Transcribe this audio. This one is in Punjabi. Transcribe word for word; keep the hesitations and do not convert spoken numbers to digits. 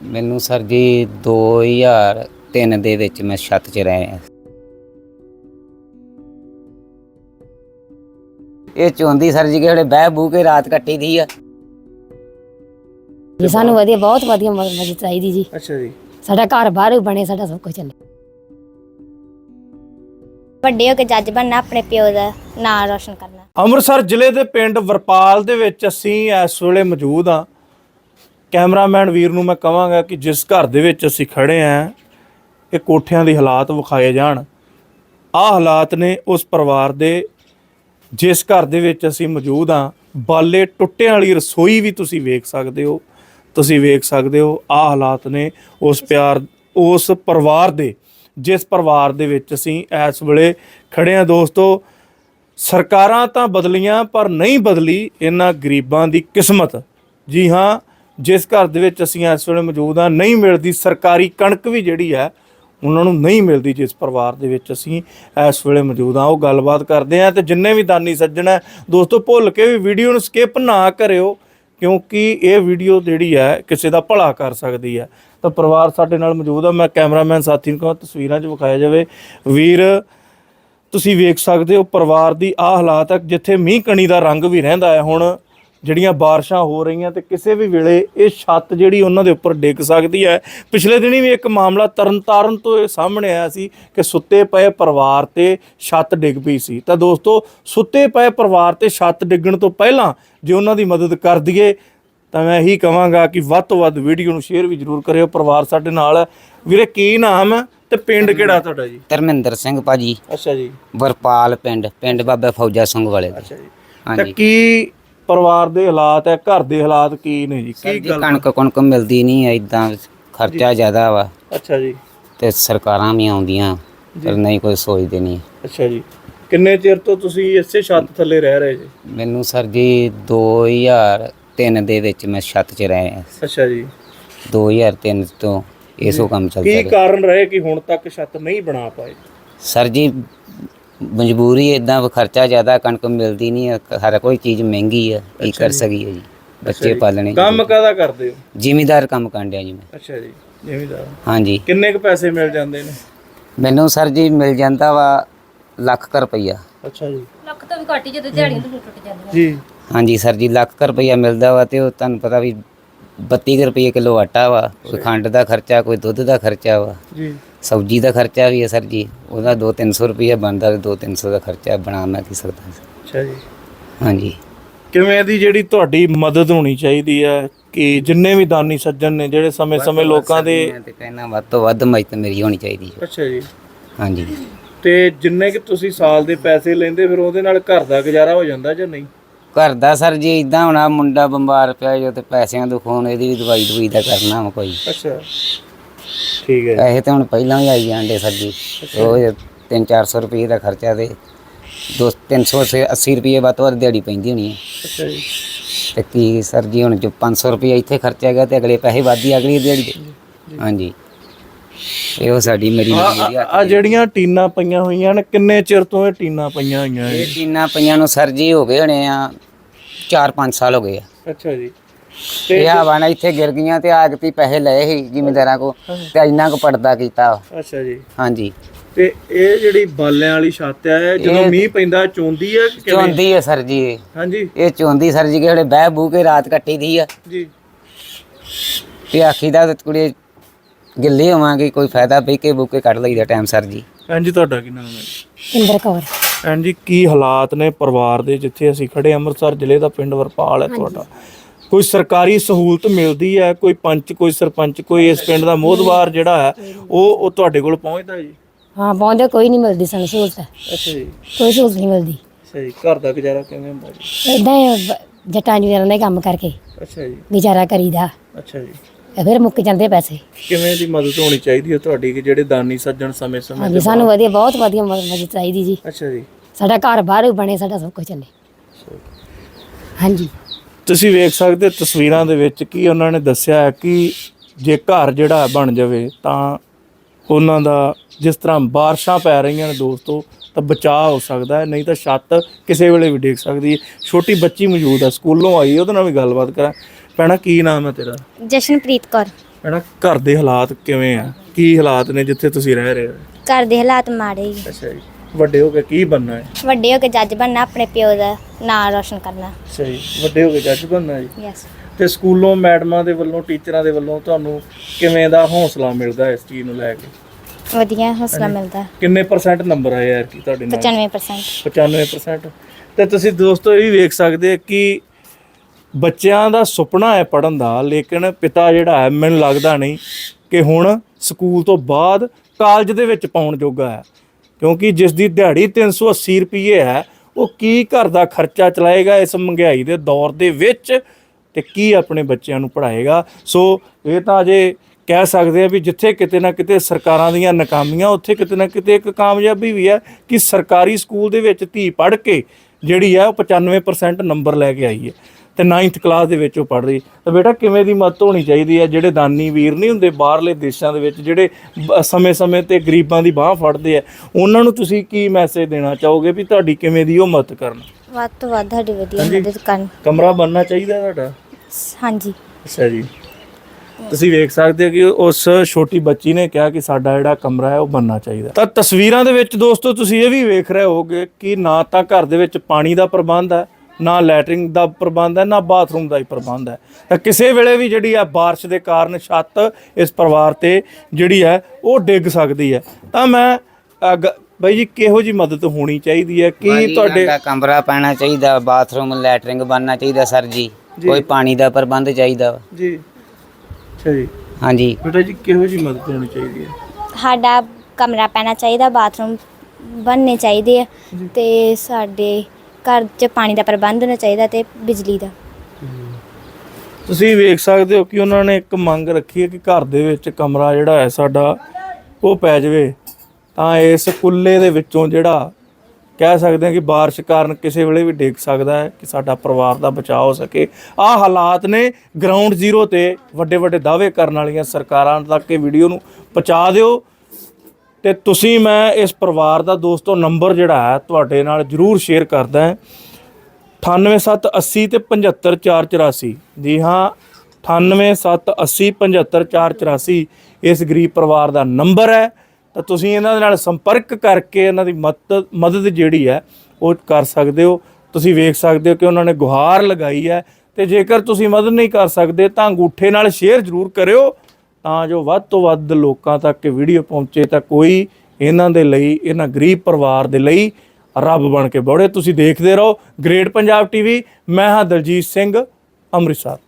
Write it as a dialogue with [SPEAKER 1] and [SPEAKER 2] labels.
[SPEAKER 1] ਮੈਨੂੰ ਸਰ ਜੀ ਦੋ ਹਜ਼ਾਰ ਤਿੰਨ ਦੇ ਵਿੱਚ ਮੈਂ ਛੱਤ 'ਚ ਰਹਿਆ। ਇਹ ਚਾਹੁੰਦੀ ਸਰ ਜੀ ਕਿ ਜਿਹੜੇ ਬਹਿ ਬੂ ਕੇ ਰਾਤ ਕੱਟੀ ਦੀ ਆ।
[SPEAKER 2] ਜੀ ਸਾਨੂੰ ਵਧੀਆ ਬਹੁਤ ਵਧੀਆ ਮਦਦ ਚਾਹੀਦੀ ਜੀ।
[SPEAKER 3] ਅੱਛਾ ਜੀ।
[SPEAKER 2] ਸਾਡਾ ਘਰ ਬਾਹਰ ਬਣੇ, ਸਾਡਾ ਸਭ ਕੁਝ ਚੱਲੇ।
[SPEAKER 4] ਵੱਡੇ ਹੋ ਕੇ ਜੱਜ ਬਣਨਾ, ਆਪਣੇ ਪਿਓ ਦਾ ਨਾਂ ਰੋਸ਼ਨ ਕਰਨਾ।
[SPEAKER 3] ਅੰਮ੍ਰਿਤਸਰ ਜ਼ਿਲ੍ਹੇ ਦੇ ਪਿੰਡ ਵਰਪਾਲ ਦੇ ਵਿੱਚ ਅਸੀਂ ਇਸ ਵੇਲੇ ਮੌਜੂਦ ਹਾਂ। ਕੈਮਰਾਮੈਨ ਵੀਰ ਨੂੰ ਮੈਂ ਕਹਾਂਗਾ ਕਿ ਜਿਸ ਘਰ ਦੇ ਵਿੱਚ ਅਸੀਂ ਖੜੇ ਹਾਂ, ਇਹ ਕੋਠਿਆਂ ਦੀ ਹਾਲਾਤ ਵਿਖਾਏ ਜਾਣ। ਆਹ ਹਾਲਾਤ ਨੇ ਉਸ ਪਰਿਵਾਰ ਦੇ ਜਿਸ ਘਰ ਦੇ ਵਿੱਚ ਅਸੀਂ ਮੌਜੂਦ ਹਾਂ। ਬਾਲੇ ਟੁੱਟਿਆਂ ਵਾਲੀ ਰਸੋਈ ਵੀ ਤੁਸੀਂ ਵੇਖ ਸਕਦੇ ਹੋ ਤੁਸੀਂ ਵੇਖ ਸਕਦੇ ਹੋ ਆਹ ਹਾਲਾਤ ਨੇ ਉਸ ਪਿਆਰ ਉਸ ਪਰਿਵਾਰ ਦੇ ਜਿਸ ਪਰਿਵਾਰ ਦੇ ਵਿੱਚ ਅਸੀਂ ਇਸ ਵੇਲੇ ਖੜੇ ਹਾਂ। ਦੋਸਤੋ, ਸਰਕਾਰਾਂ ਤਾਂ ਬਦਲੀਆਂ ਪਰ ਨਹੀਂ ਬਦਲੀ ਇਹਨਾਂ ਗਰੀਬਾਂ ਦੀ ਕਿਸਮਤ। ਜੀ ਹਾਂ, ਜਿਸ ਘਰ ਦੇ ਵਿੱਚ ਅਸੀਂ ਇਸ ਵੇਲੇ ਮੌਜੂਦ ਹਾਂ, ਨਹੀਂ ਮਿਲਦੀ ਸਰਕਾਰੀ ਕਣਕ ਵੀ ਜਿਹੜੀ ਹੈ ਉਹਨਾਂ ਨੂੰ ਨਹੀਂ ਮਿਲਦੀ। ਜਿਸ ਪਰਿਵਾਰ ਦੇ ਵਿੱਚ ਅਸੀਂ ਇਸ ਵੇਲੇ ਮੌਜੂਦ ਹਾਂ, ਉਹ ਗੱਲਬਾਤ ਕਰਦੇ ਹਾਂ। ਅਤੇ ਜਿੰਨੇ ਵੀ ਦਾਨੀ ਸੱਜਣ ਹੈ ਦੋਸਤੋ, ਭੁੱਲ ਕੇ ਵੀ ਵੀਡੀਓ ਨੂੰ ਸਕਿਪ ਨਾ ਕਰਿਓ, ਕਿਉਂਕਿ ਇਹ ਵੀਡੀਓ ਜਿਹੜੀ ਹੈ ਕਿਸੇ ਦਾ ਭਲਾ ਕਰ ਸਕਦੀ ਹੈ। ਤਾਂ ਪਰਿਵਾਰ ਸਾਡੇ ਨਾਲ ਮੌਜੂਦ ਆ। ਮੈਂ ਕੈਮਰਾਮੈਨ ਸਾਥੀ ਨੂੰ ਕਹਾਂ ਤਸਵੀਰਾਂ 'ਚ ਵਿਖਾਇਆ ਜਾਵੇ। ਵੀਰ, ਤੁਸੀਂ ਵੇਖ ਸਕਦੇ ਹੋ ਪਰਿਵਾਰ ਦੀ ਆਹ ਹਾਲਾਤ ਹੈ, ਜਿੱਥੇ ਮੀਂਹ ਕਣੀ ਦਾ ਰੰਗ ਵੀ ਰਹਿੰਦਾ ਹੈ। ਹੁਣ ਜਿਹੜੀਆਂ ਬਾਰਿਸ਼ਾਂ ਹੋ ਰਹੀਆਂ ਤੇ ਕਿਸੇ ਵੀ ਵੇਲੇ ਇਹ ਛੱਤ ਜਿਹੜੀ ਉਹਨਾਂ ਦੇ ਉੱਪਰ ਡਿੱਗ ਸਕਦੀ ਹੈ। ਪਿਛਲੇ ਦਿਨੀ ਵੀ ਇੱਕ ਮਾਮਲਾ ਤਰਨਤਾਰਨ ਤੋਂ ਇਹ ਸਾਹਮਣੇ ਆਇਆ ਸੀ ਕਿ ਸੁੱਤੇ ਪਏ ਪਰਿਵਾਰ ਤੇ ਛੱਤ ਡਿੱਗ ਪਈ ਸੀ। ਤਾਂ ਦੋਸਤੋ, ਸੁੱਤੇ ਪਏ ਪਰਿਵਾਰ ਤੇ ਛੱਤ ਡਿੱਗਣ ਤੋਂ ਪਹਿਲਾਂ ਜੇ ਉਹਨਾਂ ਦੀ ਮਦਦ ਕਰ ਦਈਏ ਤਾਂ ਮੈਂ ਇਹੀ ਕਹਾਂਗਾ ਕਿ ਵੱਧ ਤੋਂ ਵੱਧ ਵੀਡੀਓ ਨੂੰ ਸ਼ੇਅਰ ਵੀ ਜ਼ਰੂਰ ਕਰਿਓ। ਪਰਿਵਾਰ ਸਾਡੇ ਨਾਲ ਹੈ। ਵੀਰੇ, ਕੀ ਨਾਮ ਹੈ ਤੇ ਪਿੰਡ ਕਿਹੜਾ ਤੁਹਾਡਾ ਜੀ?
[SPEAKER 1] ਧਰਮਿੰਦਰ ਸਿੰਘ ਭਾਜੀ।
[SPEAKER 3] ਅੱਛਾ ਜੀ।
[SPEAKER 1] ਵਰਪਾਲ ਪਿੰਡ ਪਿੰਡ ਬਾਬਾ ਫੌਜਾ ਸਿੰਘ ਵਾਲੇ ਦੇ।
[SPEAKER 3] ਅੱਛਾ ਜੀ। ਤਾਂ
[SPEAKER 1] ਹਾਂਜੀ।
[SPEAKER 3] ਕੀ ਪਰਿਵਾਰ ਦੇ ਹਾਲਾਤ ਹੈ, ਘਰ ਦੇ ਹਾਲਾਤ ਕੀ ਨੇ ਜੀ?
[SPEAKER 1] ਕੀ ਕਣਕ ਕਣਕ ਮਿਲਦੀ ਨਹੀਂ, ਇਦਾਂ ਖਰਚਾ ਜ਼ਿਆਦਾ ਵਾ।
[SPEAKER 3] ਅੱਛਾ ਜੀ।
[SPEAKER 1] ਤੇ ਸਰਕਾਰਾਂ ਵੀ ਆਉਂਦੀਆਂ ਪਰ ਨਹੀਂ ਕੋਈ ਸੋਚਦੇ ਨਹੀਂ।
[SPEAKER 3] ਅੱਛਾ ਜੀ। ਕਿੰਨੇ ਚਿਰ ਤੋਂ ਤੁਸੀਂ ਇਸੇ ਛੱਤ ਥੱਲੇ ਰਹਿ ਰਹੇ ਜੀ?
[SPEAKER 1] ਮੈਨੂੰ ਸਰ ਜੀ ਦੋ ਹਜ਼ਾਰ ਤਿੰਨ ਦੇ ਵਿੱਚ ਮੈਂ ਛੱਤ 'ਚ ਰਹਿਆ।
[SPEAKER 3] ਅੱਛਾ ਜੀ।
[SPEAKER 1] ਦੋ ਹਜ਼ਾਰ ਤਿੰਨ ਤੋਂ ਇਸੋ ਕੰਮ ਚੱਲਦਾ
[SPEAKER 3] ਕੀ
[SPEAKER 1] ਰਿਹਾ।
[SPEAKER 3] ਕਾਰਨ ਰਹੇ ਕਿ ਹੁਣ ਤੱਕ ਛੱਤ ਨਹੀਂ ਬਣਾ ਪਾਏ?
[SPEAKER 1] ਸਰ ਜੀ ਮਜਬੂਰੀ ਇਦਾਂ, ਖਰਚਾ ਜ਼ਿਆਦਾ, ਕਣਕ ਮਿਲਦੀ ਨਹੀਂ, ਹਰ ਕੋਈ ਚੀਜ਼ ਮਹਿੰਗੀ ਆ, ਕੀ ਕਰ ਸਕੀਏ ਜੀ, ਬੱਚੇ ਪਾਲਣੇ।
[SPEAKER 3] ਕੰਮ ਕਾਹਦਾ ਕਰਦੇ ਹੋ?
[SPEAKER 1] ਜ਼ਿਮੀਦਾਰ ਕੰਮ ਕਾਂਡਿਆ ਜੀ ਮੈਂ।
[SPEAKER 3] ਅੱਛਾ ਜੀ, ਜ਼ਿਮੀਦਾਰ।
[SPEAKER 1] ਹਾਂਜੀ।
[SPEAKER 3] ਕਿੰਨੇ ਕੁ ਪੈਸੇ ਮਿਲ ਜਾਂਦੇ ਨੇ?
[SPEAKER 1] ਮੈਨੂੰ ਸਰ ਜੀ ਮਿਲ ਜਾਂਦਾ ਵਾ ਲੱਖ ਕੁ ਰੁਪਈਆ।
[SPEAKER 3] ਅੱਛਾ ਜੀ।
[SPEAKER 2] ਲੱਖ ਤੋਂ ਵੀ ਘੱਟ ਹੀ, ਜਦੋਂ ਦਿਹਾੜੀਆਂ ਤੋਂ ਟੁੱਟ ਜਾਂਦੀਆਂ।
[SPEAKER 3] ਜੀ।
[SPEAKER 1] ਹਾਂਜੀ ਸਰ ਜੀ, ਲੱਖ ਕੁ ਰੁਪਈਆ ਮਿਲਦਾ ਵਾ। ਤੇ ਉਹ ਤੁਹਾਨੂੰ ਪਤਾ ਵੀ ਬੱਤੀ ਕੁ ਰੁਪਈਏ ਕਿਲੋ ਆਟਾ ਵਾ, ਕੋਈ ਖੰਡ ਦਾ ਖਰਚਾ, ਕੋਈ ਦੁੱਧ ਦਾ ਖਰਚਾ ਵਾ,
[SPEAKER 3] ਜੀ।
[SPEAKER 1] ਸਬਜ਼ੀ ਦਾ ਖਰਚਾ ਵੀ ਹੈ ਸਰ ਜੀ। ਉਹਦਾ ਦੋ ਤਿੰਨ ਸੌ ਰੁਪਈਆ ਬਣਦਾ, ਦੋ ਤਿੰਨ ਸੌ ਦਾ ਖਰਚਾ ਬਣਾ ਮੈਂ ਕੀ ਸਕਦਾ।
[SPEAKER 3] ਅੱਛਾ ਜੀ।
[SPEAKER 1] ਹਾਂਜੀ।
[SPEAKER 3] ਕਿਵੇਂ ਦੀ ਜਿਹੜੀ ਤੁਹਾਡੀ ਮਦਦ ਹੋਣੀ ਚਾਹੀਦੀ ਹੈ ਕਿ ਜਿੰਨੇ ਵੀ ਦਾਨੀ ਸੱਜਣ ਨੇ ਜਿਹੜੇ ਸਮੇਂ ਸਮੇਂ ਲੋਕਾਂ ਦੇ
[SPEAKER 1] ਤੇ ਕਹਿਣਾ ਵੱਧ ਤੋਂ ਵੱਧ ਮਦਦ ਮੇਰੀ ਹੋਣੀ ਚਾਹੀਦੀ ਹੈ।
[SPEAKER 3] ਅੱਛਾ ਜੀ।
[SPEAKER 1] ਹਾਂਜੀ।
[SPEAKER 3] ਤੇ ਜਿੰਨੇ ਕਿ ਤੁਸੀਂ ਸਾਲ ਦੇ ਪੈਸੇ ਲੈਂਦੇ, ਫਿਰ ਉਹਦੇ ਨਾਲ ਘਰ ਦਾ ਗੁਜ਼ਾਰਾ ਹੋ ਜਾਂਦਾ ਜਾਂ ਨਹੀਂ?
[SPEAKER 1] ਘਰ ਦਾ ਸਰ ਜੀ ਇਦਾਂ ਹੋਣਾ, ਮੁੰਡਾ ਬਿਮਾਰ ਪਿਆ ਜੋ ਤੇ ਪੈਸਿਆਂ ਤੋਂ ਖੋਣ, ਇਹਦੀ ਵੀ ਦਵਾਈ ਦਵਾਈ ਦਾ ਕਰਨਾ ਵਾ ਕੋਈ।
[SPEAKER 3] ਅੱਛਾ, ਠੀਕ ਹੈ।
[SPEAKER 1] ਪੈਸੇ ਤਾਂ ਹੁਣ ਪਹਿਲਾਂ ਹੀ ਆਈ ਜਾਂਦੇ ਸਰ ਜੀ। ਉਹ ਤਿੰਨ ਚਾਰ ਸੌ ਰੁਪਏ ਦਾ ਖਰਚਾ ਤੇ ਦੋ ਤਿੰਨ ਸੌ ਅੱਸੀ ਰੁਪਏ ਵੱਧ ਤੋਂ ਵੱਧ ਦਿਹਾੜੀ ਪੈਂਦੀ ਹੋਣੀ ਹੈ।
[SPEAKER 3] ਅੱਛਾ ਜੀ।
[SPEAKER 1] ਤੇ ਕੀ ਸਰ ਜੀ, ਹੁਣ ਜੋ ਪੰਜ ਸੌ ਰੁਪਏ ਇੱਥੇ ਖਰਚਿਆ ਗਿਆ ਤੇ ਅਗਲੇ ਪੈਸੇ ਵੱਧਦੀ ਅਗਲੀ ਦਿਹਾੜੀ ਦੇ। ਹਾਂਜੀ, ਇਹੋ ਸਾਡੀ ਮੇਰੀ
[SPEAKER 3] ਆ ਜਿਹੜੀਆਂ ਟੀਨਾਂ ਪਈਆਂ ਹੋਈਆਂ ਨੇ, ਕਿੰਨੇ ਚਿਰ ਤੋਂ ਇਹ ਟੀਨਾਂ ਪਈਆਂ ਹੋਈਆਂ?
[SPEAKER 1] ਇਹ ਟੀਨਾਂ ਪਈਆਂ ਨੂੰ ਸਰ ਜੀ ਹੋ ਗਏ ਹੋਣੇ ਆ ਚਾਰ ਪੰਜ ਸਾਲ ਹੋ ਗਏ ਆ।
[SPEAKER 3] ਅੱਛਾ ਜੀ।
[SPEAKER 1] ਇਹ ਹਵਾ ਨਾਲ ਇੱਥੇ ਗਿਰ ਗਈਆਂ ਤੇ ਆਗਤੀ ਪੈਸੇ ਲਏ ਸੀ ਜ਼ਿਮੀਂਦਾਰਾਂ ਕੋ ਤੇ ਇੰਨਾ ਕੁ ਪੜਦਾ ਕੀਤਾ।
[SPEAKER 3] ਅੱਛਾ ਜੀ।
[SPEAKER 1] ਹਾਂਜੀ।
[SPEAKER 3] ਤੇ ਇਹ ਜਿਹੜੀ ਬਾਲਿਆਂ ਵਾਲੀ ਛੱਤ ਹੈ, ਜਦੋਂ ਮੀਂਹ ਪੈਂਦਾ ਚੋਂਦੀ ਹੈ ਕਿ
[SPEAKER 1] ਚੋਂਦੀ ਹੈ ਸਰ ਜੀ?
[SPEAKER 3] ਹਾਂਜੀ।
[SPEAKER 1] ਇਹ ਚੋਂਦੀ ਸਰ ਜੀ, ਜਿਹੜੇ ਬਹਿ ਬੂ ਕੇ ਰਾਤ ਕੱਟੀ ਦੀ ਆ
[SPEAKER 3] ਜੀ।
[SPEAKER 1] ਤੇ ਆਖੀ ਦਾ ਕੁੜੀ ਗਿੱਲੀ ਹੋਵਾਂਗੇ, ਕੋਈ ਫਾਇਦਾ ਪਈ ਕੇ ਬੂਕੇ ਕੱਢ ਲਈਦਾ ਟਾਈਮ ਸਰ ਜੀ।
[SPEAKER 3] ਹਾਂਜੀ, ਤੁਹਾਡਾ ਕੀ ਨਾਮ ਹੈ?
[SPEAKER 2] ਇੰਦਰ ਕੌਰ।
[SPEAKER 3] ਹਾਂਜੀ, ਕੀ ਹਾਲਾਤ ਨੇ ਪਰਿਵਾਰ ਦੇ ਜਿੱਥੇ ਅਸੀਂ ਖੜੇ? ਅੰਮ੍ਰਿਤਸਰ ਜ਼ਿਲ੍ਹੇ ਦਾ ਪਿੰਡ ਵਰਪਾਲ ਹੈ ਤੁਹਾਡਾ। ਕੋਈ ਸਰਕਾਰੀ ਸਹੂਲਤ ਮਿਲਦੀ ਹੈ? ਕੋਈ ਪੰਚ, ਕੋਈ ਸਰਪੰਚ, ਕੋਈ ਇਸ ਪਿੰਡ ਦਾ ਮੋਹਦਵਾਰ ਜਿਹੜਾ ਹੈ ਉਹ ਉਹ ਤੁਹਾਡੇ ਕੋਲ ਪਹੁੰਚਦਾ ਜੀ?
[SPEAKER 2] ਹਾਂ, ਪਹੁੰਚਦੇ, ਕੋਈ ਨਹੀਂ ਮਿਲਦੀ ਸਾਨੂੰ ਸਹੂਲਤ।
[SPEAKER 3] ਅੱਛਾ ਜੀ।
[SPEAKER 2] ਕੋਈ ਸਹੂਲਤ ਨਹੀਂ ਮਿਲਦੀ।
[SPEAKER 3] ਅੱਛਾ ਜੀ। ਘਰ ਦਾ ਗੁਜ਼ਾਰਾ ਕਿਵੇਂ ਹੁੰਦਾ ਜੀ?
[SPEAKER 2] ਇਦਾਂ ਹੀ ਜੱਟਾਂ ਜੁਟਾਂ ਦਾ ਕੰਮ ਕਰਕੇ
[SPEAKER 3] ਅੱਛਾ ਜੀ।
[SPEAKER 2] ਗੁਜ਼ਾਰਾ ਕਰੀਦਾ।
[SPEAKER 3] ਅੱਛਾ ਜੀ।
[SPEAKER 2] ਤੇ ਫਿਰ ਮੁੱਕ ਜਾਂਦੇ ਪੈਸੇ।
[SPEAKER 3] ਕਿਵੇਂ ਦੀ ਮਦਦ ਹੋਣੀ ਚਾਹੀਦੀ ਹੈ ਤੁਹਾਡੀ ਕਿ ਜਿਹੜੇ ਦਾਨੀ ਸੱਜਣ ਸਮੇਂ ਸਮੇਂ
[SPEAKER 2] ਹਾਂਜੀ, ਸਾਨੂੰ ਵਧੀਆ ਬਹੁਤ ਵਧੀਆ ਮਦਦ ਚਾਹੀਦੀ ਜੀ।
[SPEAKER 3] ਅੱਛਾ ਜੀ।
[SPEAKER 2] ਸਾਡਾ ਘਰ ਬਾਹਰ ਬਣੇ, ਸਾਡਾ ਸਭ ਕੁਝ ਚੱਲੇ। ਹਾਂਜੀ।
[SPEAKER 3] ਤੁਸੀਂ ਵੇਖ ਸਕਦੇ ਤਸਵੀਰਾਂ ਦੇ ਵਿੱਚ ਕਿ ਉਹਨਾਂ ਨੇ ਦੱਸਿਆ ਹੈ ਕਿ ਜੇ ਘਰ ਜਿਹੜਾ ਬਣ ਜਾਵੇ ਤਾਂ ਉਹਨਾਂ ਦਾ, ਜਿਸ ਤਰ੍ਹਾਂ ਬਾਰਿਸ਼ਾਂ ਪੈ ਰਹੀਆਂ ਨੇ ਦੋਸਤੋ, ਤਾਂ ਬਚਾਅ ਹੋ ਸਕਦਾ ਹੈ, ਨਹੀਂ ਤਾਂ ਛੱਤ ਕਿਸੇ ਵੇਲੇ ਵੀ ਡਿੱਗ ਸਕਦੀ ਹੈ। ਛੋਟੀ ਬੱਚੀ ਮੌਜੂਦ ਹੈ, ਸਕੂਲੋਂ ਆਈ, ਉਹਦੇ ਨਾਲ ਵੀ ਗੱਲਬਾਤ ਕਰਾਂ। ਭੈਣਾ, ਕੀ ਨਾਮ ਹੈ ਤੇਰਾ?
[SPEAKER 4] ਜਸ਼ਨਪ੍ਰੀਤ ਕੌਰ।
[SPEAKER 3] ਮੈਡਮ ਘਰ ਦੇ ਹਾਲਾਤ ਕਿਵੇਂ ਆ, ਕੀ ਹਾਲਾਤ ਨੇ ਜਿੱਥੇ ਤੁਸੀਂ ਰਹਿ ਰਹੇ ਹੋ?
[SPEAKER 4] ਘਰ ਦੇ ਹਾਲਾਤ ਮਾੜੇ ਹੀ ਆ।
[SPEAKER 3] ਅੱਛਾ ਜੀ, ਵੱਡੇ ਹੋ ਕੇ ਕੀ ਬਣਨਾ ਹੈ?
[SPEAKER 4] ਵੱਡੇ ਹੋ ਕੇ ਜੱਜ ਬਣਨਾ, ਆਪਣੇ ਪਿਓ ਦਾ ਨਾਂ ਰੋਸ਼ਨ ਕਰਨਾ।
[SPEAKER 3] ਅੱਛਾ ਜੀ, ਵੱਡੇ ਹੋ ਕੇ ਜੱਜ ਬਣਨਾ ਜੀ।
[SPEAKER 4] ਯੈਸ।
[SPEAKER 3] ਤੇ ਸਕੂਲੋਂ ਮੈਡਮਾਂ ਦੇ ਵੱਲੋਂ, ਟੀਚਰਾਂ ਦੇ ਵੱਲੋਂ ਤੁਹਾਨੂੰ ਕਿਵੇਂ ਦਾ ਹੌਸਲਾ ਮਿਲਦਾ ਇਸ ਚੀਜ਼ ਨੂੰ ਲੈ ਕੇ?
[SPEAKER 4] ਵਧੀਆ ਹੌਸਲਾ ਮਿਲਦਾ।
[SPEAKER 3] ਕਿੰਨੇ ਪਰਸੈਂਟ ਨੰਬਰ ਆਏ ਯਾਰ ਕੀ ਤੁਹਾਡੇ ਨਾਲ?
[SPEAKER 4] ਪਚਾਨਵੇਂ ਪਰਸੈਂਟ।
[SPEAKER 3] ਪਚਾਨਵੇਂ ਪਰਸੈਂਟ। ਤੇ ਤੁਸੀਂ ਦੋਸਤੋ ਇਹ ਵੀ ਵੇਖ ਸਕਦੇ ਕਿ ਬੱਚਿਆਂ ਦਾ ਸੁਪਨਾ ਹੈ ਪੜ੍ਹਨ ਦਾ, ਲੇਕਿਨ ਪਿਤਾ ਜਿਹੜਾ ਹੈ ਮੈਨੂੰ ਲੱਗਦਾ ਨਹੀਂ ਕਿ ਹੁਣ ਸਕੂਲ ਤੋਂ ਬਾਅਦ ਕਾਲਜ ਦੇ ਵਿੱਚ ਪਾਉਣ ਜੋਗਾ ਹੈ, ਕਿਉਂਕਿ ਜਿਸ ਦੀ ਦਿਹਾੜੀ ਤਿੰਨ ਸੌ ਅੱਸੀ ਰੁਪਏ ਹੈ ਉਹ ਕੀ ਘਰ ਦਾ ਖਰਚਾ ਚਲਾਏਗਾ ਇਸ ਮਹਿੰਗਾਈ ਦੇ ਦੌਰ ਦੇ ਵਿੱਚ, ਤੇ ਕੀ ਆਪਣੇ ਬੱਚਿਆਂ ਨੂੰ ਪੜ੍ਹਾਏਗਾ। ਸੋ ਇਹ ਤਾਂ ਅਜੇ ਕਹਿ ਸਕਦੇ ਆ ਵੀ ਜਿੱਥੇ ਕਿਤੇ ਨਾ ਕਿਤੇ ਸਰਕਾਰਾਂ ਦੀਆਂ ਨਾਕਾਮੀਆਂ, ਉੱਥੇ ਕਿਤੇ ਨਾ ਕਿਤੇ ਇੱਕ ਕਾਮਯਾਬੀ ਵੀ ਹੈ ਕਿ ਸਰਕਾਰੀ ਸਕੂਲ ਦੇ ਵਿੱਚ ਧੀ ਪੜ੍ਹ ਕੇ ਜਿਹੜੀ ਹੈ ਉਹ ਪਚਾਨਵੇਂ ਪਰਸੈਂਟ ਨੰਬਰ ਲੈ ਕੇ ਆਈ ਹੈ ਤੇ ਨਾਈਨਥ ਕਲਾਸ ਦੇ ਵਿੱਚ ਉਹ ਪੜ੍ਹ ਰਹੀ। ਤਾਂ ਬੇਟਾ ਕਿਵੇਂ ਦੀ ਮਦਦ ਹੋਣੀ ਚਾਹੀਦੀ ਹੈ? ਜਿਹੜੇ ਦਾਨੀ ਵੀਰ ਨਹੀਂ ਹੁੰਦੇ ਬਾਹਰਲੇ ਦੇਸ਼ਾਂ ਦੇ ਵਿੱਚ, ਜਿਹੜੇ ਸਮੇਂ-ਸਮੇਂ ਤੇ ਗਰੀਬਾਂ ਦੀ ਬਾਹ ਫੜਦੇ ਆ, ਉਹਨਾਂ ਨੂੰ ਤੁਸੀਂ ਕੀ ਮੈਸੇਜ ਦੇਣਾ ਚਾਹੋਗੇ ਵੀ ਤੁਹਾਡੀ ਕਿਵੇਂ ਦੀ ਉਹ ਮਦਦ ਕਰਨ?
[SPEAKER 4] ਵੱਧ ਤੋਂ ਵੱਧ ਸਾਡੀ ਵਧੀਆ
[SPEAKER 3] ਹਾਂਜੀ।
[SPEAKER 4] ਮਦਦ ਕਰਨ।
[SPEAKER 3] ਕਮਰਾ ਬਣਨਾ ਚਾਹੀਦਾ ਤੁਹਾਡਾ?
[SPEAKER 4] ਹਾਂਜੀ।
[SPEAKER 3] ਅੱਛਾ ਜੀ, ਤੁਸੀਂ ਵੇਖ ਸਕਦੇ ਹੋ ਕਿ ਉਸ ਛੋਟੀ ਬੱਚੀ ਨੇ ਕਿਹਾ ਕਿ ਸਾਡਾ ਜਿਹੜਾ ਕਮਰਾ ਹੈ ਉਹ ਬਣਨਾ ਚਾਹੀਦਾ। ਤਾਂ ਤਸਵੀਰਾਂ ਦੇ ਵਿੱਚ ਦੋਸਤੋ ਤੁਸੀਂ ਇਹ ਵੀ ਵੇਖ ਰਹੇ ਹੋਗੇ ਕਿ ਨਾ ਤਾਂ ਘਰ ਦੇ ਵਿੱਚ ਪਾਣੀ ਦਾ ਪ੍ਰਬੰਧ ਹੈ, ਨਾ ਲੈਟਰਿੰਗ ਦਾ ਪ੍ਰਬੰਧ ਹੈ, ਨਾ ਬਾਥਰੂਮ ਦਾ ਹੀ ਪ੍ਰਬੰਧ ਹੈ। ਤਾਂ ਕਿਸੇ ਵੇਲੇ ਵੀ ਜਿਹੜੀ ਹੈ ਬਾਰਿਸ਼ ਦੇ ਕਾਰਨ ਛੱਤ ਇਸ ਪਰਿਵਾਰ ਤੇ ਜਿਹੜੀ ਹੈ ਉਹ ਡਿੱਗ ਸਕਦੀ ਹੈ। ਤਾਂ ਮੈਂ ਅ, ਗ- ਬਾਈ ਜੀ ਕਿਹੋ ਜੀ ਮਦਦ ਹੋਣੀ ਚਾਹੀਦੀ ਹੈ? ਕੀ ਤੁਹਾਡੇ
[SPEAKER 1] ਦਾ ਕਮਰਾ ਪੈਣਾ ਚਾਹੀਦਾ, ਬਾਥਰੂਮ ਲੈਟਰਿੰਗ ਬਣਨਾ ਚਾਹੀਦਾ ਸਰ ਜੀ, ਕੋਈ ਪਾਣੀ ਦਾ ਪ੍ਰਬੰਧ ਚਾਹੀਦਾ ਵਾ।
[SPEAKER 3] ਜੀ ਅੱਛਾ ਜੀ,
[SPEAKER 1] ਹਾਂਜੀ
[SPEAKER 3] ਬੇਟਾ ਜੀ ਕਿਹੋ ਜੀ ਮਦਦ ਹੋਣੀ ਚਾਹੀਦੀ ਹੈ?
[SPEAKER 4] ਸਾਡਾ ਕਮਰਾ ਪੈਣਾ ਚਾਹੀਦਾ, ਬਾਥਰੂਮ ਬਣਨੇ ਚਾਹੀਦੇ ਆ, ਤੇ ਸਾਡੇ ਘਰ 'ਚ ਪਾਣੀ ਦਾ ਪ੍ਰਬੰਧ ਹੋਣਾ ਚਾਹੀਦਾ ਤੇ ਬਿਜਲੀ ਦਾ।
[SPEAKER 3] ਤੁਸੀਂ ਵੇਖ ਸਕਦੇ ਹੋ ਕਿ ਉਹਨਾਂ ਨੇ ਇੱਕ ਮੰਗ ਰੱਖੀ ਹੈ ਕਿ ਘਰ ਦੇ ਵਿੱਚ ਕਮਰਾ ਜਿਹੜਾ ਹੈ ਸਾਡਾ ਉਹ ਪੈ ਜਾਵੇ, ਤਾਂ ਇਸ ਕੁੱਲੇ ਦੇ ਵਿੱਚੋਂ ਜਿਹੜਾ ਕਹਿ ਸਕਦੇ ਹਾਂ ਕਿ ਬਾਰਿਸ਼ ਕਾਰਨ ਕਿਸੇ ਵੇਲੇ ਵੀ ਡਿੱਗ ਸਕਦਾ ਹੈ, ਕਿ ਸਾਡਾ ਪਰਿਵਾਰ ਦਾ ਬਚਾਅ ਹੋ ਸਕੇ। ਆਹ ਹਾਲਾਤ ਨੇ ਗਰਾਊਂਡ ਜ਼ੀਰੋ ਤੇ ਵੱਡੇ ਵੱਡੇ ਦਾਅਵੇ ਕਰਨ ਵਾਲੀਆਂ ਸਰਕਾਰਾਂ ਤੱਕ ਇਹ ਵੀਡੀਓ ਨੂੰ ਪਹੁੰਚਾ ਦਿਓ। ਤੇ ਤੁਸੀਂ, ਮੈਂ ਇਸ ਪਰਿਵਾਰ ਦਾ ਦੋਸਤੋ ਨੰਬਰ ਜਿਹੜਾ ਹੈ ਤੁਹਾਡੇ ਨਾਲ ਜ਼ਰੂਰ ਸ਼ੇਅਰ ਕਰਦਾ ਹਾਂ, ਅਠਾਨਵੇਂ ਸੱਤ ਅੱਸੀ ਤੇ ਪਝੱਤਰ ਚਾਰ ਚੁਰਾਸੀ। ਜੀ ਹਾਂ, ਅਠਾਨਵੇਂ ਸੱਤ ਅੱਸੀ ਪਝੱਤਰ ਚਾਰ ਚੁਰਾਸੀ ਇਸ ਗਰੀਬ ਪਰਿਵਾਰ ਦਾ ਨੰਬਰ ਹੈ। ਤਾਂ ਤੁਸੀਂ ਇਹਨਾਂ ਦੇ ਨਾਲ ਸੰਪਰਕ ਕਰਕੇ ਇਹਨਾਂ ਦੀ ਮਦਦ ਮਦਦ ਜਿਹੜੀ ਹੈ ਉਹ ਕਰ ਸਕਦੇ ਹੋ। ਤੁਸੀਂ ਵੇਖ ਸਕਦੇ ਹੋ ਕਿ ਉਹਨਾਂ ਨੇ ਗੁਹਾਰ ਲਗਾਈ ਹੈ, ਤੇ ਜੇਕਰ ਤੁਸੀਂ ਮਦਦ ਨਹੀਂ ਕਰ ਸਕਦੇ ਤਾਂ ਅੰਗੂਠੇ ਨਾਲ ਸ਼ੇਅਰ ਜ਼ਰੂਰ ਕਰਿਓ, ਤਾਂ ਜੋ ਵੱਧ ਤੋਂ ਵੱਧ ਲੋਕਾਂ ਤੱਕ ਇਹ ਵੀਡੀਓ ਪਹੁੰਚੇ, ਤਾਂ ਕੋਈ ਇਹਨਾਂ ਦੇ ਲਈ, ਇਹਨਾਂ ਗਰੀਬ ਪਰਿਵਾਰ ਦੇ ਲਈ ਰੱਬ ਬਣ ਕੇ ਬੜੇ। ਤੁਸੀਂ ਦੇਖਦੇ ਰਹੋ ਗ੍ਰੇਟ ਪੰਜਾਬ ਟੀਵੀ। ਮੈਂ ਹਾਂ ਦਲਜੀਤ ਸਿੰਘ, ਅੰਮ੍ਰਿਤਸਰ।